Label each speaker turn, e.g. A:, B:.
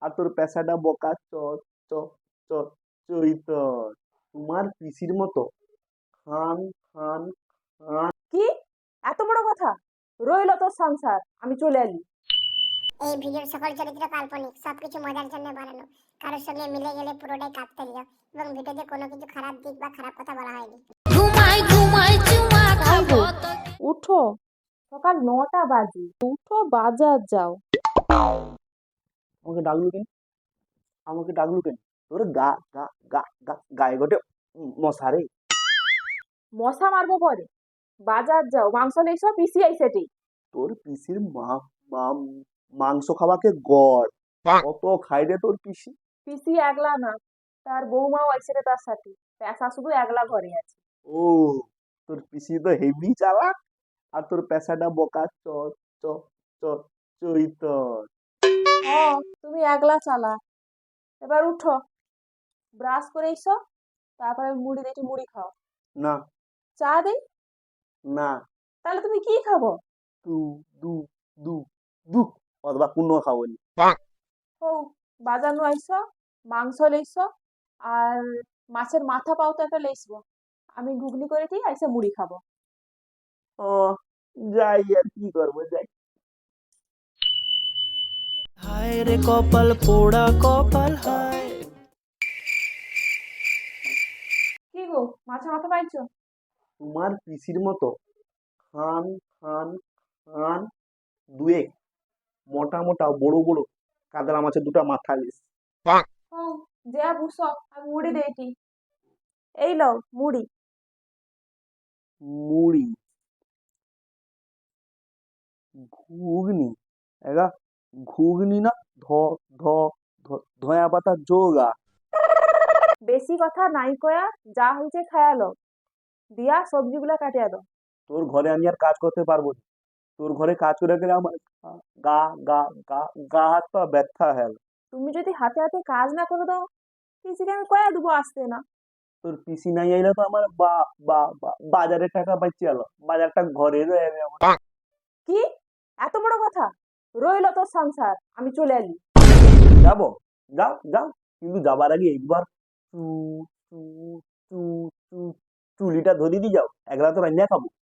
A: আর তোর পেশাটা বোকা চ চ চ চৈতর। তোমার পিসির মতো খান খান খান।
B: কি এত বড় কথা? রইলো তোর সংসার, আমি চলে এলি।
C: এই ভিডিওর সকল চরিত্র কাল্পনিক, সবকিছু মজার জন্য বানানো। কারোর সঙ্গে মিলে গেলে পুরোটাই কাকতালীয় এবং ভিডিওতে কোনো কিছু খারাপ দিক বা খারাপ কথা বলা হয়নি।
D: ঘুমাই ঘুমাই চুমা খাবো তো
B: উঠো, সকাল 9টা বাজে, উঠো বাজার যাও।
A: আমাকে ডাকলু কেন? আমাকে ডাকলু কেন? তোর গা গা গা গা গায়ে গোটে মশারে।
B: মশা মারবো পরে, বাজার যাও, মাংস লেইসো, পিসি আইছে ঠিক।
A: তোর পিসির মাংস খাওয়াকে গড় কত খাই রে তোর পিসি।
B: পিসি একলা না, তার বৌমাও আইছে রে তার সাথে। পেশা শুধু একলা ঘরে আছে।
A: ও, তোর পিসি তো হেভি চালাক। আর তোর পেশাটা বোকা চ চ চ চৈতর।
B: ও, তুমি একলা চালা। এবার উঠো, ব্রাশ করে এসো, তারপরে মুড়ি দেখি মুড়ি খাও।
A: না
B: চা দেই?
A: না,
B: তাহলে তুমি কি খাবো?
A: দু দু দু দু অথবা কোনো খাবনি।
B: ও, বাজার নু আইসো, মাংস লেইসো, আর মাছের মাথা পাও তো একটা লেইসবো। আমি ঘুগনি করে দিই, আইসে মুড়ি খাবো।
A: ও, যাই আর কি করবো, যাই।
E: হায় রে কপাল পোড়া কপাল হায়।
B: কি গো, মাছের মাথা পাইছো?
A: তোমার পিসির মতো খান খান খান দুয়েক মোটা মোটা বড় বড় কাতলা মাছের দুটা মাথা লিস।
B: ও, যা বুঝছো, আমি মুড়ি দেইটি। এই লও মুড়ি।
A: মুড়ি ঘুগনি এগা ঘুগনি না ধ ধ ধয়া পাতা যোগা।
B: বেশি কথা নাই কয়া, যা হয়েছে খায়া লও, দিয়া সবজিগুলা কাটিয়া দাও।
A: তোর ঘরে আমি আর কাজ করতে পারবো না। তোর ঘরে কাজ করে গেলে আমার গা গা গা গা হাত পা ব্যথা হ্যাল।
B: তুমি যদি হাতে হাতে কাজ না করে দাও, পিসিকে আমি কয়া দেবো আসতে না।
A: তোর পিসি নাই আইলে তো আমার বাজারে টাকা পাইছি আলো, বাজারটা ঘরে রয়ে যাবে আমার।
B: কি এত বড় কথা? রইলো তোর সংসার, আমি চলে এলি।
A: যাবো, যাও যাও, কিন্তু যাবার আগে একবার চু চু চু চু চুলিটা ধরিয়ে দিয়ে যাও, একলা তো রান্না খাবো।